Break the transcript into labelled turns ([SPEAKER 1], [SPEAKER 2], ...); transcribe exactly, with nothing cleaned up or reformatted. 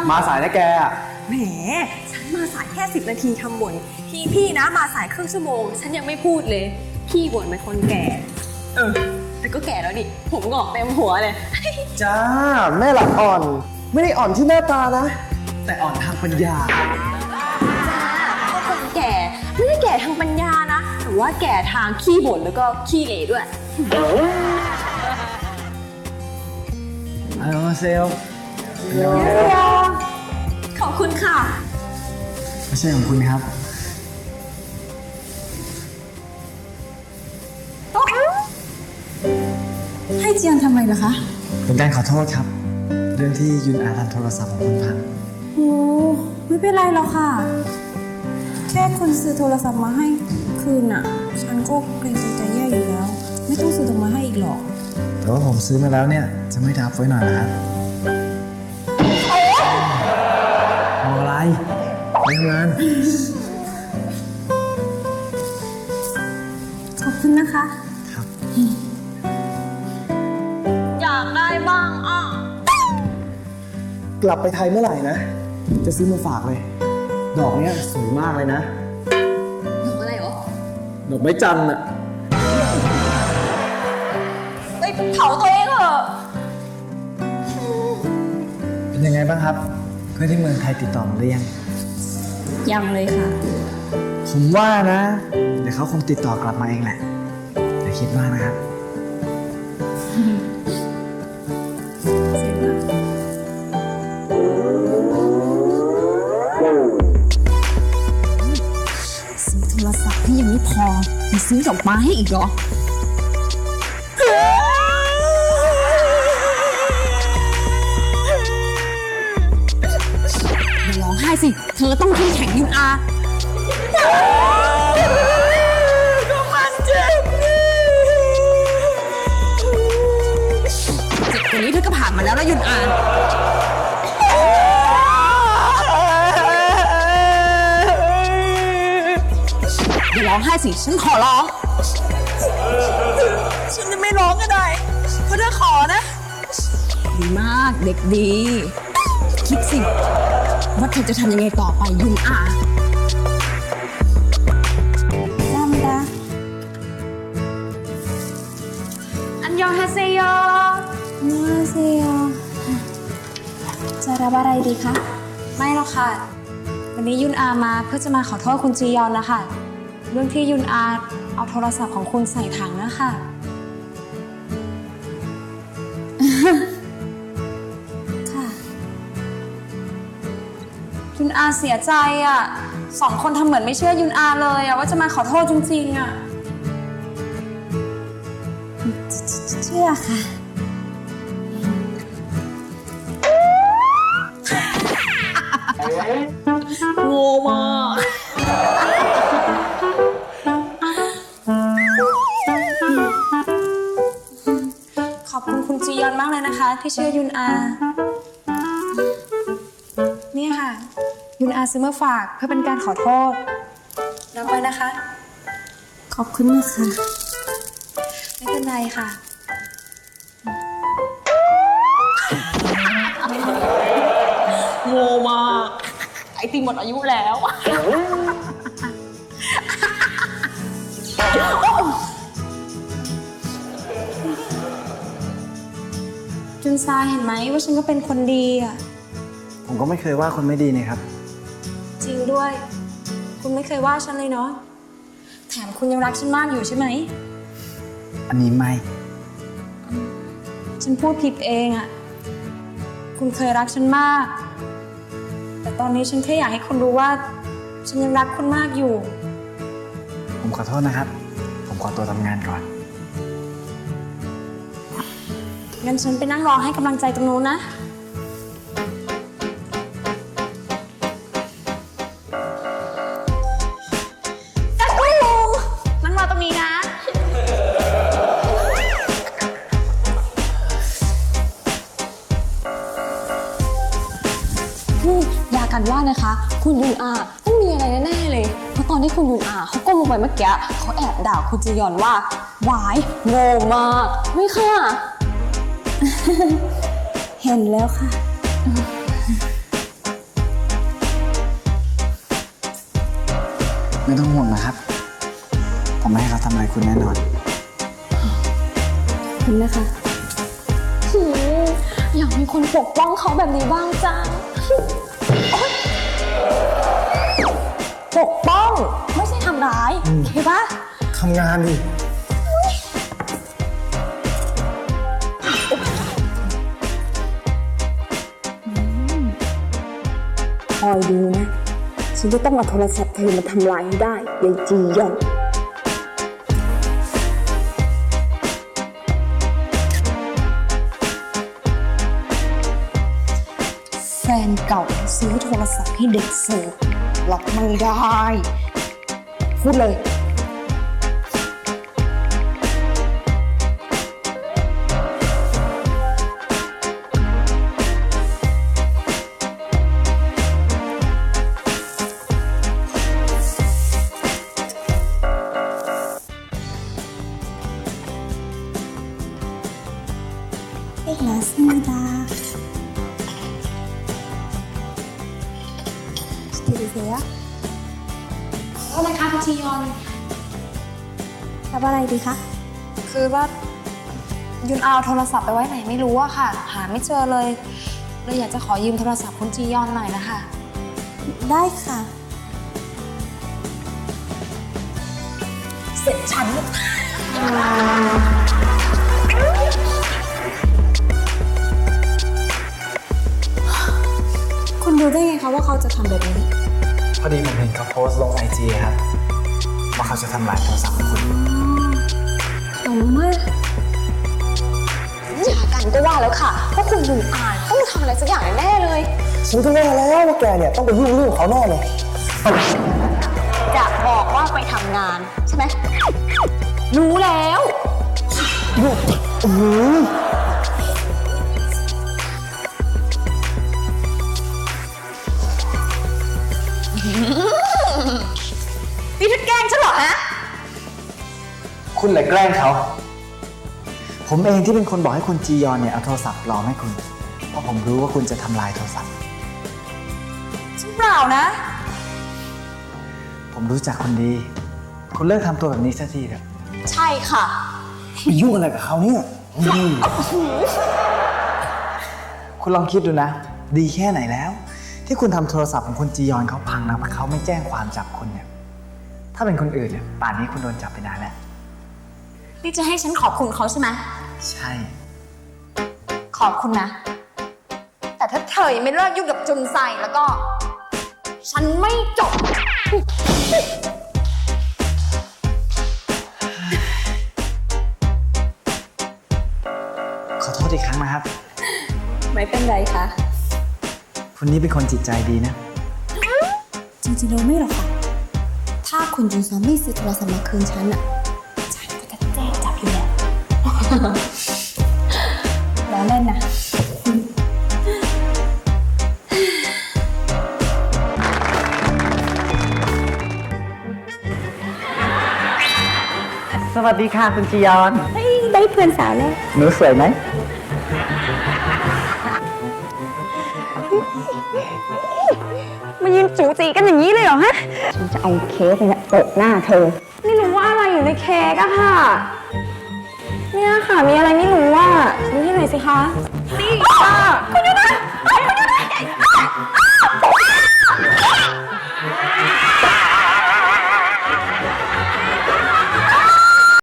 [SPEAKER 1] มาสายนะแก
[SPEAKER 2] แหมฉันมาสายแค่สิบนาทีทำบ่นพี่พี่นะมาสายครึ่งชั่วโมงฉันยังไม่พูดเลยพี่บ่นเป็นคนแก่เออแต่ก็แก่แล้วดิผมงอกเต็มหัวเลย
[SPEAKER 1] จ้าแม่หลักอ่อนไม่ได้อ่อนที่หน้าตานะแต่อ่อนทางปัญญา
[SPEAKER 2] ก็คนแก่ไม่ได้แก่ทางปัญญานะแต่ว่าแก่ทางขี้บ่นแล้วก็ขี้เหร่ด้วย
[SPEAKER 1] ฮัลโหลเซล
[SPEAKER 2] ขอบคุณค่ะ
[SPEAKER 1] ไม่ใช่ของคุณครับ
[SPEAKER 3] ให้เจียนทำอะไรเหรอคะ
[SPEAKER 1] เป็นการขอโทษครับเรื่องที่ยุนอาทำโทรศัพท์ของคุณพัง
[SPEAKER 3] โอ้ไม่เป็นไรหรอกค่ะแค่คุณซื้อโทรศัพท์มาให้คืนน่ะฉันก็เกรงใจใจแย่อยู่แล้วไม่ต้องซื้อมาให้อีกหรอก
[SPEAKER 1] แต่ว่าผมซื้อมาแล้วเนี่ยจะไม่ทับไว้หน่อยนะครับมองอะไรไปทำงาน
[SPEAKER 3] ขอบคุณนะคะ
[SPEAKER 1] ครับ
[SPEAKER 2] อยากได้บ้างอ่ะ
[SPEAKER 1] กลับไปไทยเมื่อไหร่นะจะซื้อมาฝากเลยดอกเนี้ยสวยมากเลยนะ
[SPEAKER 2] ดอกอะไรหรอ
[SPEAKER 1] ดอกไม้จันทร์อะ
[SPEAKER 2] ไปเผาตัวเองเหรอ
[SPEAKER 1] เป็นยังไงบ้างครับเพื่อนที่เมืองไทยติดต่อมาหรือยัง
[SPEAKER 3] ยังเลยค่ะ
[SPEAKER 1] ผมว่านะเดี๋ยวเขาคงติดต่อกลับมาเองแหละอย่าคิดมากนะครับ
[SPEAKER 3] ซื้อโทรศัพท์ให้ยังไม่พอมีซื้อดอกไม้ให้อีกเหรออย่าร้องไห้สิเธอต้องเข้มแข็งยุนอา
[SPEAKER 2] ก็มันเจ็บ
[SPEAKER 3] เจ็บกว่านี้เธอก็ผ่านมาแล้วนะยุนอาอย่าร้องไห้สิฉันขอร้อง
[SPEAKER 2] ฉันจะไม่ร้องก็ได้เพราะเธอขอนะ
[SPEAKER 3] ดีมากเด็กดีคิดสิว่าเธอจะทำยังไงต่อไปยุนอาจำดา
[SPEAKER 2] อันยองฮาเซโย
[SPEAKER 3] มาเซโยจะรับอะไรดีคะไม่หรอกค่ะวันนี้ยุนอามาเพื่อจะมาขอโทษคุณจียอนนะคะเรื่องที่ยุนอาเอาโทรศัพท์ของคุณใส่ถังนะคะค่ะยุนอาเสียใจอ่ะสองคนทำเหมือนไม่เชื่อยุนอาเลยอ่ะว่าจะมาขอโทษจริงๆอ่ะเชื่อค่ะ
[SPEAKER 2] โง่มาก
[SPEAKER 3] ขอบคุณคุณจียอนมากเลยนะคะที่เชื่อยุนอาเนี่ยค่ะยุนอาซื้อมาฝากเพื่อเป็นการขอโทษรับไว้นะคะขอบคุณนะคะไม่เป็นไรค่ะ
[SPEAKER 2] โง่มากไอติมหมดอายุแล้ว
[SPEAKER 3] จุนซาเห็นไหมว่าฉันก็เป็นคนดีอ่ะ
[SPEAKER 1] ผมก็ไม่เคยว่าคนไม่ดีนี่ครับ
[SPEAKER 3] จริงด้วยคุณไม่เคยว่าฉันเลยเนาะแถมคุณยังรักฉันมากอยู่ใช่ไหม
[SPEAKER 1] อันนี้ไม่
[SPEAKER 3] ฉันพูดผิดเองอ่ะคุณเคยรักฉันมากแต่ตอนนี้ฉันแค่อยากให้คุณรู้ว่าฉันยังรักคุณมากอยู่
[SPEAKER 1] ผมขอโทษนะครับผมขอตัวทำงานก่อน
[SPEAKER 3] งั้นฉันไปนั่งรอให้กำลังใจตรงนู้นนะ
[SPEAKER 2] นั่งรอตรงนี้นะ
[SPEAKER 3] ยากันว่านะคะคุณยุนอาต้องมีอะไรแน่ๆเลยเพราะตอนที่คุณยุนอาเขาก้มลงไปเมื่อกี้เขาแอบด่าคุณจียอนว่าหวายโง่มากไม่ค่ะเห็นแล้วค่ะ
[SPEAKER 1] ไม่ต้องห่วงนะครับ ผมไม่ให้เขาทำอะไรคุณแน่นอน
[SPEAKER 3] คุณนะคะหืมอยากมีคนปกป้องเขาแบบนี้บ้างจังโอ๊ยปกป้องไม่ใช่ทำร้ายโอเคปะ
[SPEAKER 1] ทำงานดิ
[SPEAKER 3] คอยดูนะ ฉันจะต้องเอาโทรศัพท์เธอมาทำลายให้ได้ยายจียอนแฟนเก่าซื้อโทรศัพท์ให้เด็กเสิร์ฟรับไม่ได้ พูดเลย Прекрасна. Что десea?
[SPEAKER 4] โทษนะคะคุณจียอน
[SPEAKER 3] รับอะไรดีคะ
[SPEAKER 4] คือว่ายุนเอาโทรศัพท์ไปไว้ไหนไม่รู้อะค่ะ หาไม่เจอเลยเลยอยากจะขอยืมโทรศัพท์คุณจียอนหน่อยนะคะ
[SPEAKER 3] ได้ค่ะ
[SPEAKER 4] เสร็จฉัน
[SPEAKER 3] คุณรู้ได้ไงคะว่าเขาจะทำแบบนี้
[SPEAKER 1] พอดีผมเห็นเขาโพสต์ลงไอจีครับ ว่าเขาจะทำลายโทรศัพท์ของคุณ
[SPEAKER 3] ผมว่าหย่ากันก็ว่าแล้วค่ะเพราะคุณดูอ่านต้องทำอะไรสักอย่างแน่เลย
[SPEAKER 1] ฉันก็แน่แล้วว่าแกเนี่ยต้องไปยุ่งเรื่องเขาแน่เลย
[SPEAKER 3] จะบอกว่าไปทำงานใช่ไหม รู้แล้ว
[SPEAKER 1] อือ
[SPEAKER 3] นี่ทุกแกล้งฉันเหรอฮะ
[SPEAKER 1] คุณเลยแกล้งเขา ผมเองที่เป็นคนบอกให้คุณจียอนเนี่ยเอาโทรศัพท์ปลอมให้คุณ เพราะผมรู้ว่าคุณจะทำลายโทรศัพท์
[SPEAKER 3] ฉันเปล่านะ
[SPEAKER 1] ผมรู้จักคุณดี คุณเลิกทำตัวแบบนี้สักทีเถอะ
[SPEAKER 3] ใช่ค่ะ
[SPEAKER 1] ไปยุ่งอะไรกับเขาเนี่ยอืมคุณลองคิดดูนะ ดีแค่ไหนแล้ว ที่คุณทำโทรศัพท์ของคุณจียอนเขาพังนะเพราะเขาไม่แจ้งความจับคุณเนี่ย ถ้าเป็นคนอื่นเนี่ยป่านนี้คุณโดนจับไปนานแล้ว
[SPEAKER 3] นี่จะให้ฉันขอบคุณเขาใช่ไหม
[SPEAKER 1] ใช่
[SPEAKER 3] ขอบคุณนะ แต่ถ้าเธอยังไม่เลิกยุ่งกับจุนไซแล้วก็ ฉันไม่จบ
[SPEAKER 1] ขอโทษอีกครั้งนะครับ
[SPEAKER 3] ไม่เป็นไรค่ะ
[SPEAKER 1] คุณนี่เป็นคนจิตใจดีนะ
[SPEAKER 3] จริงๆเราไม่หรอกค่ะ ถ้าคุณจุนไซไม่ซื้อโทรศัพท์มาคืนฉันอะฉันก็จะแจ้งจับอยู่แล้ว แล้วเล่นนะ
[SPEAKER 1] สวัสดีค่ะคุณจียอน
[SPEAKER 3] ได้เพื่อนสาวแล้ว
[SPEAKER 1] หนูสวยไหม
[SPEAKER 3] มายืนจูจีกันอย่างนี้เลยเหรอฮะ ฉันจะเอาเค้กเนี่ยโปะหน้าเธอ ไม่รู้ว่าอะไรอยู่ในเค้กอะค่ะ เนี่ยค่ะ มีอะไรไม่รู้ว่าดูให้หน่อยสิคะ นี่ค่ะคุณยุทธ